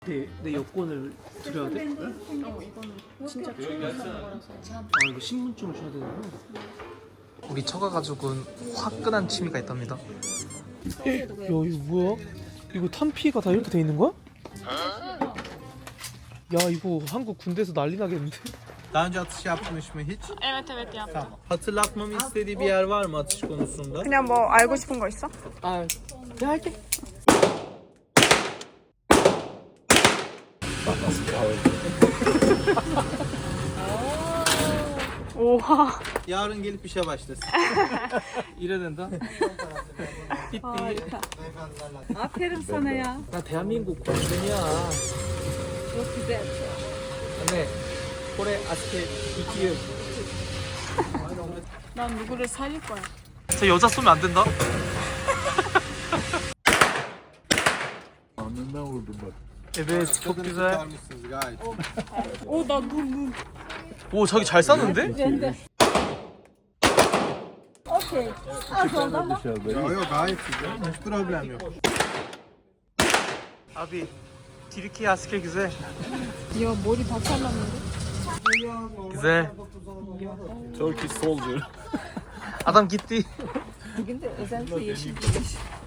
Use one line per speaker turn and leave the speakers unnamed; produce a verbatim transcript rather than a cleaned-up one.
내, 내 여권을 드려야 돼? 응?
어 이거는 진짜 중요한 거라서.
아 이거 신분증을 줘야 되는구나.
우리 처가 가족은 화끈한 취미가 있답니다.
야 이거 뭐야? 이거 탄피가 다 이렇게 돼 있는 거야? 야 이거 한국 군대에서 난리 나겠는데?
Daha önce atış yapmış mı hiç?
Evet evet yaptım.
Tamam. Hatırlatmamı istediği bir yer var mı atış konusunda?
그냥 뭐 알고 싶은 거 있어?
아 내가 할게.
오와.
Yarın gelip işe başlasın.
이래야 된다. 삐삐.
아페름 사나야.
나 대한민국 국민이야. 네. 올해 아스케 이기유.
난 누구를 살릴 거야.
저 여자 쏘면 안 된다.
Alnından vurdum bak.
Evet çok
Kadını
güzel.
kurtarmışsınız gayet.
오나눈눈
오 자기 잘 쐈는데?
Dışarıda.
Yok yok gayet güzel. Hiç problem yok.
Abi Türkiye asker güzel.
야 머리 다 잘랐는데?
Güzel.
Turkish soldier.
Adam gitti.
근데 özellikle yeşil giymiş.